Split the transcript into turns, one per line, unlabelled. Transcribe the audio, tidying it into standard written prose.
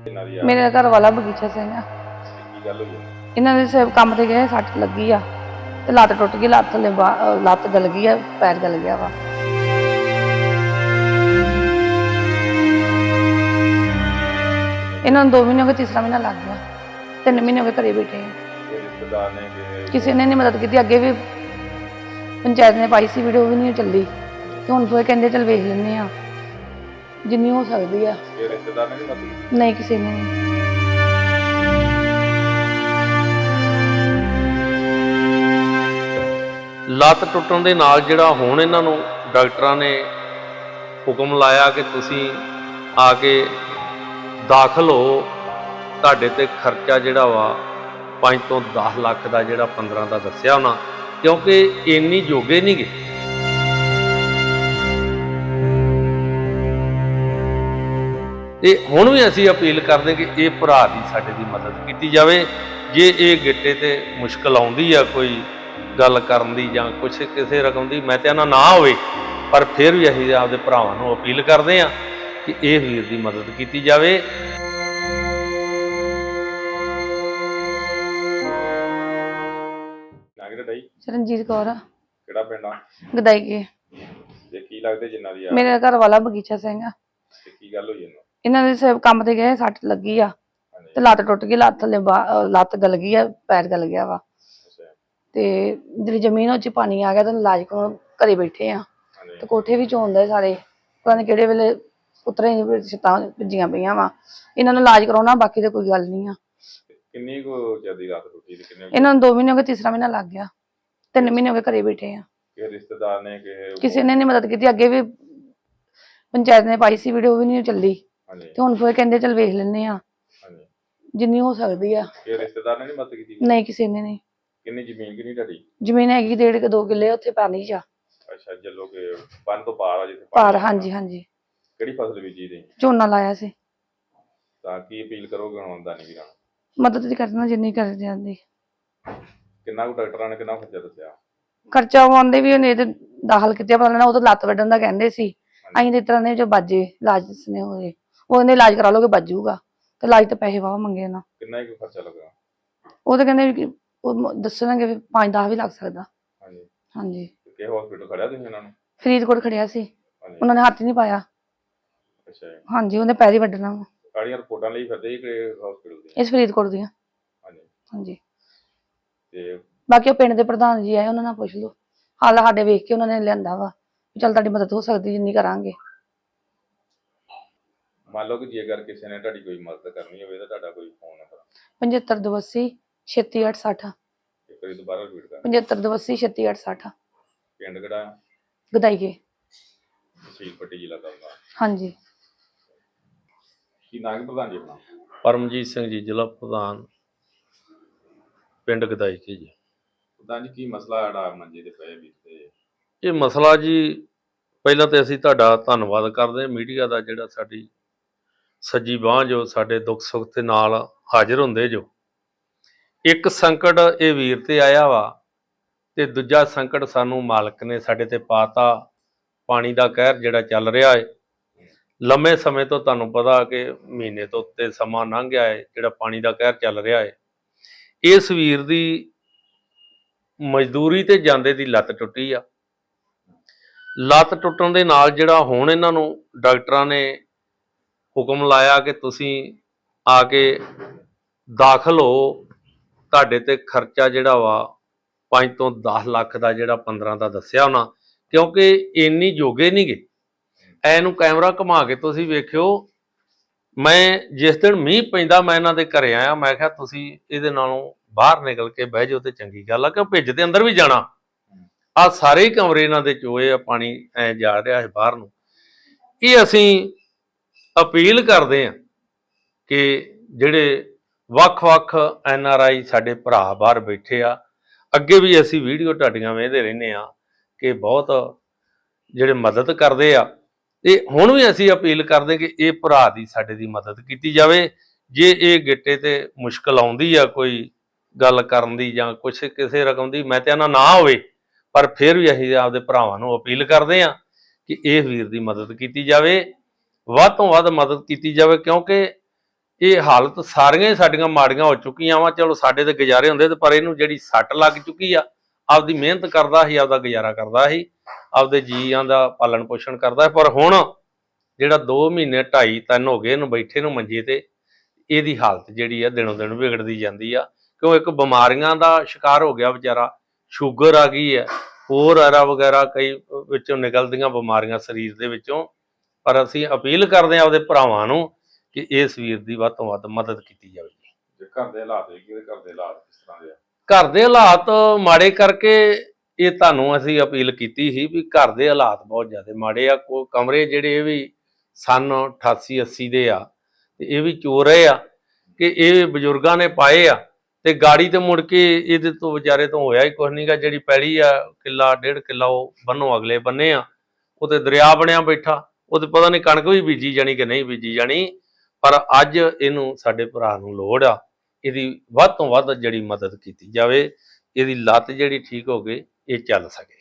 मेरे घर वाला बगीचा सिंह आ। इन्होंने सिर्फ काम ते गए सट लगी आ ते लत्त टुट गई, लत्त थल्ले लत्त गल गई है, पैर गल गया वा। इन्होंने 2 महीने हो गए, तीसरा महीना लग गया, 3 महीने हो गए घरे बैठे हैं। किसी ने नहीं मदद की। अगे भी पंचायत ने पाई सी वीडियो, भी नहीं चली, तो हुण फिर कहंदे चल वेख लैंदे आ जिन्नी हो सकती है। नहीं, किसी ने नहीं।
ਲੱਤ ਟੁੱਟਣ ਦੇ ਨਾਲ ਜਿਹੜਾ ਹੁਣ ਇਹਨਾਂ ਨੂੰ ਡਾਕਟਰਾਂ ਨੇ ਹੁਕਮ ਲਾਇਆ ਕਿ ਤੁਸੀਂ ਆ ਕੇ ਦਾਖਲ ਹੋ, ਤੁਹਾਡੇ ਤੇ ਖਰਚਾ ਜਿਹੜਾ ਵਾ 5 ਤੋਂ 10 ਲੱਖ ਦਾ ਜਿਹੜਾ 15 ਦਾ ਦੱਸਿਆ ਉਹਨਾਂ, ਕਿਉਂਕਿ ਇੰਨੀ ਜੋਗੇ ਨਹੀਂ ਗੇ। ਤੇ ਹੁਣ ਵੀ ਅਸੀਂ ਅਪੀਲ ਕਰਦੇ ਕਿ ਇਹ ਭਰਾ ਦੀ ਸਾਡੇ ਦੀ ਮਦਦ ਕੀਤੀ ਜਾਵੇ। ਜੇ ਇਹ ਗਿੱਟੇ ਤੇ ਮੁਸ਼ਕਲ ਆਉਂਦੀ ਆ ਕੋਈ ਗੱਲ ਕਰਨ ਦੀ ਜਾਂ ਕੁਛ ਕਿਸੇ ਰਕਮ ਦੀ, ਮੈਂ ਤਾਂ ਨਾ ਹੋਵੇ, ਪਰ ਫਿਰ ਵੀ ਅਸੀਂ ਆਪਦੇ ਭਰਾਵਾਂ ਨੂੰ ਅਪੀਲ ਕਰਦੇ ਹਾਂ ਕਿ ਇਹ ਵੀਰ ਦੀ ਮਦਦ ਕੀਤੀ ਜਾਵੇ।
रंजीत कौर
ਕਿਹੜਾ ਪਿੰਡ ਆ?
गदाई के।
ਜੇ ਕੀ ਲੱਗਦੇ ਜਿੰਨਾ ਦੀ ਆ
मेरे घर वाला बगीचा सिंह आ।
ਤੇ ਕੀ ਗੱਲ ਹੋਈ ਇਹਨੂੰ?
इन्होंने सिर्फ काम ते गए सट लगी आ
ਹਾਂਜੀ
ते लत्त टुट गई, लत्त थल्ले लत्त गल गई है, पैर गल गया वा।
ਅੱਛਾ
ते जिहड़ी जमीन उच पानी आ गया तो इलाज को घरे बैठे आ
ਹਾਂਜੀ
ते कोठे भी चोंदे सारे, पता नहीं किहड़े वेले उतरे छत्तां भज्जियां पईयां वा। इन्हां नूं इलाज कराउणा, बाकी ते कोई गल नहीं आ।
ਕਿੰਨੀ ਕੁ ਜ਼ਿਆਦੀ ਰਾਤ ਟੁੱਟੀ ਤੇ ਕਿੰਨੇ
इन्हां नूं 2 महीने हो गए, तीसरा महीना लग गया, 3 महीने हो गए घरे बैठे आ।
ਕਿ ਰਿਸ਼ਤੇਦਾਰ ਨੇ ਕਿ
किसी ने नहीं मदद की। अगे भी पंचायत ने पाई सी वीडियो, भी नहीं चली,
ਹਾਂਜੀ
तो हुण फिर कहंदे चल वेख लैंदे आ
ਹਾਂਜੀ
जिन्नी हो सकती है।
ਕਿ ਰਿਸ਼ਤੇਦਾਰ ਨੇ ਨਹੀਂ ਮਦਦ ਕੀਤੀ?
नहीं, किसी ने नहीं।
ਕਿੰਨੀ ਜ਼ਮੀਨ ਕਿੰਨੀ ਤੁਹਾਡੀ?
ਜ਼ਮੀਨ ਹੈਗੀ 1.5 ਕੇ 2 ਕਿੱਲੇ, ਉੱਥੇ ਪਾਣੀ ਚ ਆ।
ਅੱਛਾ ਜੱਲੋ ਕੇ ਬੰਨ ਤੋਂ ਪਾਰ ਆ ਜਿੱਥੇ
ਪਾਰ,
ਪਾਣੀ
ਹਾਂਜੀ ਹਾਂਜੀ।
ਕਿਹੜੀ ਫਸਲ ਬੀਜੀ ਦੀ?
ਝੋਨਾ ਲਾਇਆ ਸੀ।
ਤਾਂ ਕੀ ਅਪੀਲ ਕਰੋਗੇ ਹੁਣ ਦਾਨੀ ਵੀਰਾਂ ਨੂੰ?
ਮਦਦ ਕਰਨਾ ਜਿੰਨੀ ਕਰ ਜਾਂਦੀ।
ਕਿੰਨਾ ਕੁ ਡਾਕਟਰਾਂ ਨੇ ਕਿੰਨਾ ਖਰਚਾ ਦੱਸਿਆ?
ਖਰਚਾ ਆਉਂਦੇ ਵੀ ਉਹਨੇ ਤੇ ਦਾਖਲ ਕੀਤੇ, ਪਤਾ ਲੈਣਾ ਉਹ ਤਾਂ ਲੱਤ ਵੱਢਣ ਦਾ ਕਹਿੰਦੇ ਸੀ। ਅਸੀਂ ਤੇ ਇਸ ਤਰ੍ਹਾਂ ਦੇ ਜੋ ਬਾਜੇ ਇਲਾਜ ਦੱਸਣੇ ਹੋਏ, ਉਹ ਕਹਿੰਦੇ ਇਲਾਜ ਕਰਾ ਲੋਗੇ ਬਾਜੂਗਾ, ਤੇ ਇਲਾਜ ਤਾਂ ਪੈਸੇ ਵਾਹ ਮੰਗੇ ਨਾ।
ਕਿੰਨਾ ਕੁ ਖਰਚਾ ਲੱਗਾ?
ਉਹ ਤਾਂ ਕਹਿੰਦੇ ਵੀ ਉਹ ਦੱਸਣਗੇ ਵੀ 5-10 ਵੀ ਲੱਗ ਸਕਦਾ।
ਹਾਂਜੀ
ਹਾਂਜੀ।
ਕਿ ਹਸਪੀਟਲ ਖੜਿਆ ਤੁਸੀਂ ਇਹਨਾਂ ਨੂੰ?
ਫਰੀਦਕੋਟ ਖੜਿਆ ਸੀ,
ਹਾਂਜੀ
ਉਹਨਾਂ ਨੇ ਹੱਥ ਹੀ ਨਹੀਂ ਪਾਇਆ।
ਅੱਛਾ ਜੀ।
ਹਾਂਜੀ, ਉਹਨੇ ਪੈਰ ਹੀ ਵੱਢਣਾ ਵਾ।
ਕਾੜੀਆਂ ਰਿਪੋਰਟਾਂ ਲਈ ਫਿਰਦੇ ਜੀ ਕਿ ਹਸਪੀਟਲ ਦੀ?
ਇਸ ਫਰੀਦਕੋਟ ਦੀਆਂ।
ਹਾਂਜੀ
ਹਾਂਜੀ।
ਤੇ
ਬਾਕੀ ਉਹ ਪਿੰਡ ਦੇ ਪ੍ਰਧਾਨ ਜੀ ਆਏ, ਉਹਨਾਂ ਨਾਲ ਪੁੱਛ ਲਓ। ਹਾਲ ਸਾਡੇ ਵੇਖ ਕੇ ਉਹਨਾਂ ਨੇ ਲਿਆਂਦਾ ਵਾ, ਚੱਲ ਤੁਹਾਡੀ ਮਦਦ ਹੋ ਸਕਦੀ ਜਿੰਨੀ ਕਰਾਂਗੇ।
ਮੰਨ ਲਓ ਕਿ ਜੇਕਰ ਕਿਸੇ ਨੇ ਤੁਹਾਡੀ ਕੋਈ ਮਦਦ ਕਰਨੀ ਹੋਵੇ ਤਾਂ ਤੁਹਾਡਾ ਕੋਈ ਫੋਨ ਨੰਬਰ
7582 36860।
ਇੱਕ ਵਾਰੀ ਦੁਬਾਰਾ ਰਿਪੀਟ ਕਰ।
7582 36860।
ਪਿੰਡ ਕਿਹੜਾ?
ਗਦਾਈ ਕੇ।
ਤਹਿਸੀਲ ਪੱਟੀ, ਜ਼ਿਲ੍ਹਾ ਤਰਨਤਾਰਨ।
ਹਾਂਜੀ।
ਕੀ ਨਾਂ ਹੈ ਪ੍ਰਧਾਨ ਜੀ ਆਪਣਾ?
ਪਰਮਜੀਤ ਸਿੰਘ ਜੀ, ਜ਼ਿਲ੍ਹਾ ਪ੍ਰਧਾਨ, ਪਿੰਡ ਗਦਾਈ ਕੇ ਜੀ।
ਪ੍ਰਧਾਨ ਜੀ ਕੀ ਮਸਲਾ ਜਿਹੜਾ ਮੰਜੇ ਤੇ ਪਏ ਵੀ ਤੇ?
ਇਹ ਮਸਲਾ ਜੀ, ਪਹਿਲਾਂ ਤਾਂ ਅਸੀਂ ਤੁਹਾਡਾ ਧੰਨਵਾਦ ਕਰਦੇ ਹਾਂ ਮੀਡੀਆ ਦਾ, ਜਿਹੜਾ ਸਾਡੀ ਸੱਜੀ ਬਾਂਹ ਜੋ ਸਾਡੇ ਦੁੱਖ ਸੁੱਖ ਦੇ ਨਾਲ ਹਾਜ਼ਰ ਹੁੰਦੇ ਜੋ। ਇੱਕ ਸੰਕਟ ਇਹ ਵੀਰ ਤੇ ਆਇਆ ਵਾ, ਤੇ ਦੂਜਾ ਸੰਕਟ ਸਾਨੂੰ ਮਾਲਕ ਨੇ ਸਾਡੇ ਤੇ ਪਾਤਾ। ਪਾਣੀ ਦਾ ਕਹਿਰ ਜਿਹੜਾ ਚੱਲ ਰਿਹਾ ਹੈ ਲੰਮੇ ਸਮੇਂ ਤੋਂ, ਤੁਹਾਨੂੰ ਪਤਾ ਕਿ ਮਹੀਨੇ ਤੋਂ ਉੱਤੇ ਸਮਾਂ ਲੰਘ ਗਿਆ ਹੈ ਜਿਹੜਾ ਪਾਣੀ ਦਾ ਕਹਿਰ ਚੱਲ ਰਿਹਾ ਹੈ। ਇਸ ਵੀਰ ਦੀ ਮਜ਼ਦੂਰੀ ਤੇ ਜਾਂਦੇ ਦੀ ਲੱਤ ਟੁੱਟੀ ਆ। ਲੱਤ ਟੁੱਟਣ ਦੇ ਨਾਲ ਜਿਹੜਾ ਹੁਣ ਇਹਨਾਂ ਨੂੰ ਡਾਕਟਰਾਂ ਨੇ ਹੁਕਮ ਲਾਇਆ ਕਿ ਤੁਸੀਂ ਆ ਕੇ ਦਾਖਲ ਹੋ, ਤੁਹਾਡੇ ਤੇ ਖਰਚਾ ਜਿਹੜਾ ਵਾ 5 ਤੋਂ 10 ਲੱਖ ਦਾ ਜਿਹੜਾ 15 ਦਾ ਦੱਸਿਆ ਉਹਨਾਂ, ਕਿਉਂਕਿ ਇੰਨੀ ਜੋਗੇ ਨਹੀਂ ਗੇ। ਐਨੂੰ ਕੈਮਰਾ ਘੁਮਾ ਕੇ ਤੁਸੀਂ ਵੇਖਿਓ। ਮੈਂ ਜਿਸ ਦਿਨ ਮੀਂਹ ਪੈਂਦਾ ਮੈਂ ਇਹਨਾਂ ਦੇ ਘਰੇ ਆਇਆ, ਮੈਂ ਕਿਹਾ ਤੁਸੀਂ ਇਹਦੇ ਨਾਲੋਂ ਬਾਹਰ ਨਿਕਲ ਕੇ ਬਹਿ ਜਾਓ ਤੇ ਚੰਗੀ ਗੱਲ ਆ, ਕਿਉਂ ਭਿੱਜ ਦੇ ਅੰਦਰ ਵੀ ਜਾਣਾ। ਆ ਸਾਰੇ ਹੀ ਕਮਰੇ ਇਹਨਾਂ ਦੇ ਚੋਏ ਆ, ਪਾਣੀ ਐ ਜਾ ਰਿਹਾ ਹੈ ਬਾਹਰ ਨੂੰ। ਇਹ ਅਸੀਂ ਅਪੀਲ ਕਰਦੇ ਹਾਂ ਕਿ ਜਿਹੜੇ ਵੱਖ-ਵੱਖ NRI ਸਾਡੇ ਭਰਾ ਬਾਹਰ ਬੈਠੇ ਆ, ਅੱਗੇ ਵੀ ਅਸੀਂ ਵੀਡੀਓ ਤੁਹਾਡੀਆਂ ਵੇਖਦੇ ਰਹਿੰਦੇ ਆ ਕਿ ਬਹੁਤ ਜਿਹੜੇ ਮਦਦ ਕਰਦੇ ਆ, ਤੇ ਹੁਣ ਵੀ ਅਸੀਂ ਅਪੀਲ ਕਰਦੇ ਕਿ ਇਹ ਭਰਾ ਦੀ ਸਾਡੇ ਦੀ ਮਦਦ ਕੀਤੀ ਜਾਵੇ। ਜੇ ਇਹ ਗਿੱਟੇ ਤੇ ਮੁਸ਼ਕਲ ਆਉਂਦੀ ਆ ਕੋਈ ਗੱਲ ਕਰਨ ਦੀ ਜਾਂ ਕੁਛ ਕਿਸੇ ਰਕਮ ਦੀ, ਮੈਂ ਤਾਂ ਨਾ ਹੋਵੇ, ਪਰ ਫਿਰ ਵੀ ਅਸੀਂ ਆਪਦੇ ਭਰਾਵਾਂ ਨੂੰ ਅਪੀਲ ਕਰਦੇ ਹਾਂ ਕਿ ਇਹ ਵੀਰ ਦੀ ਮਦਦ ਕੀਤੀ ਜਾਵੇ, ਵੱਧ ਤੋਂ ਵੱਧ ਮਦਦ ਕੀਤੀ ਜਾਵੇ, ਕਿਉਂਕਿ ਇਹ ਹਾਲਤ ਸਾਰੀਆਂ ਹੀ ਸਾਡੀਆਂ ਮਾੜੀਆਂ ਹੋ ਚੁੱਕੀਆਂ ਵਾ। ਚਲੋ ਸਾਡੇ ਤੇ ਗੁਜ਼ਾਰੇ ਹੁੰਦੇ ਤੇ ਪਰ ਇਹਨੂੰ ਜਿਹੜੀ ਸੱਟ ਲੱਗ ਚੁੱਕੀ ਆ, ਆਪਦੀ ਮਿਹਨਤ ਕਰਦਾ ਸੀ, ਆਪਦਾ ਗੁਜ਼ਾਰਾ ਕਰਦਾ ਸੀ, ਆਪਦੇ ਜੀਆਂ ਦਾ ਪਾਲਣ ਪੋਸ਼ਣ ਕਰਦਾ। ਪਰ ਹੁਣ ਜਿਹੜਾ 2 ਮਹੀਨੇ 2.5 3 ਹੋ ਗਏ ਇਹਨੂੰ ਬੈਠੇ ਨੂੰ ਮੰਜੇ ਤੇ, ਇਹਦੀ ਹਾਲਤ ਜਿਹੜੀ ਆ ਦਿਨੋਂ ਦਿਨ ਵਿਗੜਦੀ ਜਾਂਦੀ ਆ। ਕਿਉਂ ਇੱਕ ਬਿਮਾਰੀਆਂ ਦਾ ਸ਼ਿਕਾਰ ਹੋ ਗਿਆ ਵਿਚਾਰਾ, ਸ਼ੂਗਰ ਆ ਗਈ ਹੈ, ਹੋਰ ਐਰਾ ਵਗੈਰਾ ਕਈ ਵਿੱਚੋਂ ਨਿਕਲਦੀਆਂ ਬਿਮਾਰੀਆਂ ਸਰੀਰ ਦੇ ਵਿੱਚੋਂ। ਪਰ ਅਸੀਂ ਅਪੀਲ ਕਰਦੇ ਹਾਂ ਆਪਦੇ ਭਰਾਵਾਂ ਨੂੰ ਕਿ ਇਸ ਵੀਰ ਦੀ ਵੱਧ ਤੋਂ ਵੱਧ ਮਦਦ ਕੀਤੀ ਜਾਵੇ।
ਜੇ ਘਰ ਦੇ ਹਾਲਾਤ ਵੇਖੀਏ ਤੇ ਘਰ ਦੇ ਹਾਲਾਤ ਕਿਸ ਤਰ੍ਹਾਂ ਦੇ ਆ?
ਘਰ ਦੇ ਹਾਲਾਤ ਮਾੜੇ ਕਰਕੇ ਇਹ ਤੁਹਾਨੂੰ ਅਸੀਂ ਅਪੀਲ ਕੀਤੀ ਸੀ ਵੀ ਘਰ ਦੇ ਹਾਲਾਤ ਬਹੁਤ ਜ਼ਿਆਦਾ ਮਾੜੇ ਆ। ਕੋਈ ਕਮਰੇ ਜਿਹੜੇ ਇਹ ਵੀ ਸਨ 88 80 ਦੇ ਆ, ਤੇ ਇਹ ਵੀ ਚੋ ਰਹੇ ਆ ਕਿ ਇਹ ਬਜ਼ੁਰਗਾਂ ਨੇ ਪਾਏ ਆ, ਤੇ ਗਾੜੀ ਤੇ ਮੁੜ ਕੇ ਇਹਦੇ ਤੋਂ ਵਿਚਾਰੇ ਤੋਂ ਹੋਇਆ ਹੀ ਕੁਛ ਨਹੀਂਗਾ। ਜਿਹੜੀ ਪੈਲੀ ਆ ਕਿੱਲਾ 1.5 ਕਿੱਲਾ ਉਹ ਬੰਨੋ ਅਗਲੇ ਬੰਨੇ ਆ, ਉਹ ਤੇ ਦਰਿਆ ਬਣਿਆ ਬੈਠਾ, ਉਹ ਤੇ ਪਤਾ ਨਹੀਂ ਕਣਕ ਵੀ ਬੀਜੀ ਜਾਣੀ ਕਿ ਨਹੀਂ ਬੀਜੀ ਜਾਣੀ। ਪਰ ਅੱਜ ਇਹਨੂੰ ਸਾਡੇ ਭਰਾ ਨੂੰ ਲੋੜ ਆ, ਇਹਦੀ ਵੱਧ ਤੋਂ ਵੱਧ ਜਿਹੜੀ ਮਦਦ ਕੀਤੀ ਜਾਵੇ, ਇਹਦੀ ਲੱਤ ਜਿਹੜੀ ਠੀਕ ਹੋ ਗਈ, ਇਹ ਚੱਲ ਸਕੇ।